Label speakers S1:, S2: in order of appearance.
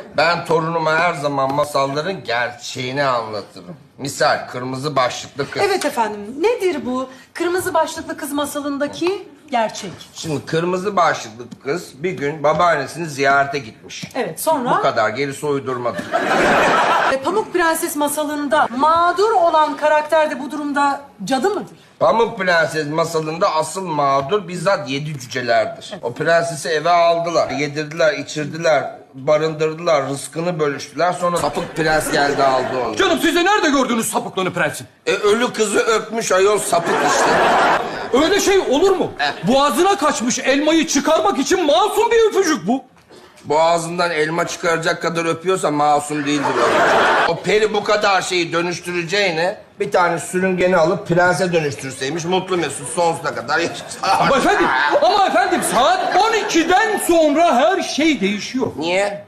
S1: Ben torunuma her zaman masalların gerçeğini anlatırım. Misal kırmızı başlıklı kız.
S2: Evet efendim. Nedir bu kırmızı başlıklı kız masalındaki gerçek?
S1: Şimdi kırmızı başlıklı kız bir gün babaannesini ziyarete gitmiş.
S2: Evet, sonra?
S1: Bu kadar, gerisi uydurmadır.
S2: Pamuk Prenses masalında mağdur olan karakter de bu durumda cadı mıdır?
S1: Pamuk Prenses masalında asıl mağdur bizzat 7 cücelerdir. O prensesi eve aldılar, yedirdiler, içirdiler, barındırdılar, rızkını bölüştüler. Sonra sapık prens geldi aldı onu.
S3: Canım siz de nerede gördünüz sapıklığını prensin?
S1: Ölü kızı öpmüş ayol sapık işte.
S3: Öyle şey olur mu? Boğazına kaçmış elmayı çıkarmak için masum bir öpücük bu.
S1: Boğazından elma çıkaracak kadar öpüyorsa masum değildir o. O peri bu kadar şeyi dönüştüreceğine bir tane sürüngeni alıp prense dönüştürseymiş mutlu mesut sonsuza kadar yaşasa.
S3: Ama efendim saat 12'den sonra her şey değişiyor.
S1: Niye?